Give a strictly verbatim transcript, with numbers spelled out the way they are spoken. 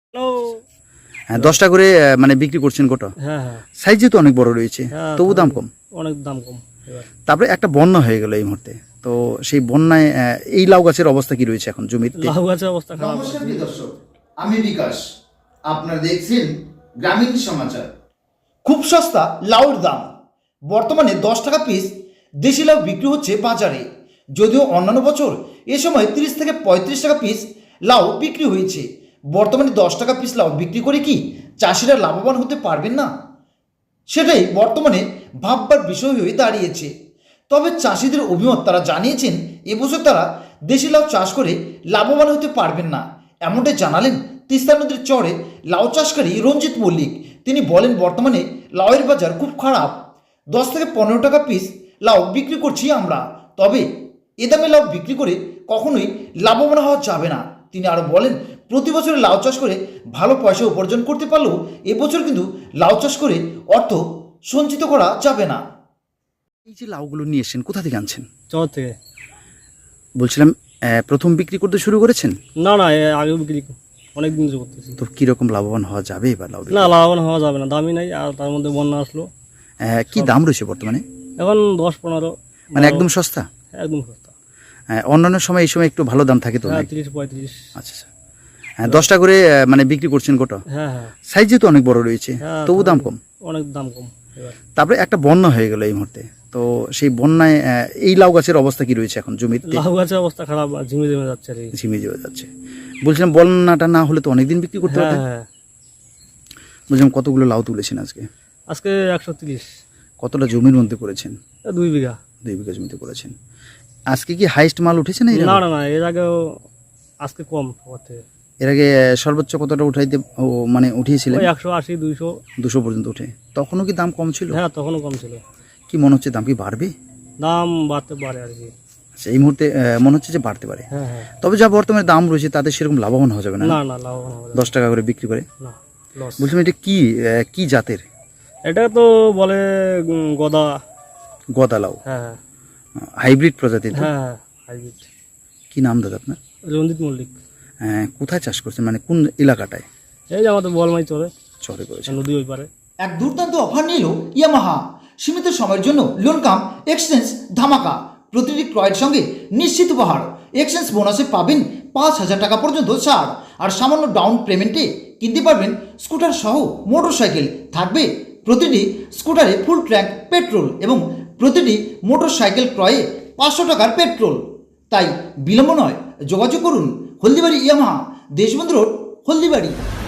হ্যাঁ, দশটা করে আহ, মানে বিক্রি করছেন গোটা। হ্যাঁ হ্যাঁ সাইজ যেহেতু অনেক বড় রয়েছে, হ্যাঁ, তবু দাম কম। অনেক দাম কম এবার। তারপরে একটা বন্যা হয়ে গেল এই মুহূর্তে, তো সেই বন্যায় আহ, এই লাউ গাছের অবস্থা কি রয়েছে এখন জমিতে? লাউ গাছের অবস্থা খারাপ। নমস্কার প্রিয় দর্শক, আমি বিকাশ। আপনারা দেখছেন গ্রামীণ সমাচার। খুব সস্তা লাউর দাম। বর্তমানে দশ টাকা পিস দেশি লাউ বিক্রি হচ্ছে বাজারে। যদিও অন্যান্য বছর এ সময় তিরিশ থেকে পঁয়ত্রিশ টাকা পিস লাউ বিক্রি হয়েছে, বর্তমানে দশ টাকা পিস লাউ বিক্রি করে কি চাষিরা লাভবান হতে পারবেন না? সেটাই বর্তমানে ভাববার বিষয় হয়ে দাঁড়িয়েছে। তবে চাষিদের অভিমত, তারা জানিয়েছেন এবছর তারা দেশি লাউ চাষ করে লাভবান হতে পারবেন না। এমনটাই জানালেন তিস্তা নদীর চরে লাউ চাষকারী রঞ্জিত মল্লিক। তিনি বলেন, বর্তমানে লাউয়ের বাজার খুব খারাপ। দশ থেকে পনেরো টাকা পিস লাউ বিক্রি করছি আমরা, তবে এ দামে লাউ বিক্রি করে কখনোই লাভবান হওয়া যাবে না। তিনি আরও বলেন, প্রতি বছর লাউ চাষ করে ভালো পয়সা উপার্জন করতে পারলেও এবছর কিন্তু লাউ চাষ করে অর্থ সঞ্চিত করা যাবে না। এই যে লাউগুলো নিয়ে এসেছেন, কোথা থেকে আনছেন? চর থেকে। বলছিলাম আহ, প্রথম বিক্রি করতে শুরু করেছেন? না না, এ আগেও বিক্রি অনেক দিন ধরে করতেছি। তো কিরকম লাভবান হওয়া যাবে এবার লাউ? না, লাভবান হওয়া যাবে না, দামই নাই। আর তার মধ্যে বন্যা আসলো। আহ, কি দাম রয়েছে বর্তমানে? এখন দশ পনেরো, মানে একদম সস্তা? একদম সস্তা। আহ, অন্যান্য সময় এই সময় একটু ভালো দাম থাকে তো? হ্যাঁ, নাকি? তিরিশ পঁয়ত্রিশ। আচ্ছা আচ্ছা। হ্যাঁ, দশটা করে আহ, মানে বিক্রি করছেন গোটা। হ্যাঁ হ্যাঁ সাইজ যেহেতু অনেক বড় রয়েছে, হ্যাঁ, তবু দাম কম। অনেক দাম কম এবার। তারপরে একটা বন্যা হয়ে গেল এই মুহূর্তে, তো সেই বন্যায় আহ, এই লাউ গাছের অবস্থা কি রয়েছে এখন জমিতে? লাউ গাছের অবস্থা খারাপ, ঝিমে ঝিমে যাচ্ছে আর কি। ঝিমিয়ে যাওয়া যাচ্ছে। বলছিলাম বন্যাটা না হলে তো অনেকদিন বিক্রি করতে হ্যাঁ পারতেন। হ্যাঁ, বলছিলাম কতগুলো লাউ তুলেছেন আজকে? আজকে একশো তিরিশ। কতটা জমির মধ্যে করেছেন? দুই বিঘা। দুই বিঘা জমিতে করেছেন। আজকে কি হাইস্ট মাল উঠেছে না? এর না আগে? না না, এর আগেও আজকে কম সবার থেকে। এর আগে আহ, সর্বোচ্চ কতটা উঠাইতে ও মানে উঠিয়েছিলেন? ওই একশো আশি দুইশো। দুশো পর্যন্ত উঠে। তখনও কি দাম কম ছিল? হ্যাঁ, তখনও কম ছিল। কি মনে হচ্ছে দাম কি বাড়বে? দাম বাড়তে পারে আর কি। আচ্ছা, এই মুহূর্তে আহ, মনে হচ্ছে যে বাড়তে পারে। হ্যাঁ হ্যাঁ। তবে যা বর্তমানে দাম রয়েছে তাতে সেরকম লাভবান হওয়া যাবে না। না না, লাভবান হবে না। দশ টাকা করে বিক্রি করে। না, লস। বলছিলাম এটা কি আহ, কি জাতের? এটা তো বলে উম, গদা। গদা লাউ, হ্যাঁ হ্যাঁ হাইব্রিড প্রজাতির তো? হ্যাঁ হ্যাঁ, হাইব্রিড। কি নাম দাদা আপনার? রঞ্জিত মল্লিক। আহ, কোথায় চাষ করছেন, মানে কোন এলাকাটায়? এই যে আমাদের বলমাই চলে, চরে করেছেন। নদী ওই পারে। এক দুর্দান্ত অফার নিল ইয়ামাহা। সীমিত সময়ের জন্য লোন কাম এক্সচেঞ্জ ধামাকা। প্রতিটি ক্রয়ের সঙ্গে নিশ্চিত উপহার। এক্সচেঞ্জ বোনাসে পাবেন পাঁচ হাজার টাকা পর্যন্ত ছাড়। আর সামান্য ডাউন পেমেন্টে কিনতে পারবেন স্কুটার সহ মোটর সাইকেল। থাকবে প্রতিটি স্কুটারে ফুল ট্যাঙ্ক পেট্রোল এবং প্রতিটি মোটর সাইকেল ক্রয়ে পাঁচশো টাকার পেট্রোল। তাই বিলম্ব নয়, যোগাযোগ করুন হলদিবাড়ি ইয়ামাহা, দেশবন্ধু রোড, হলদিবাড়ি।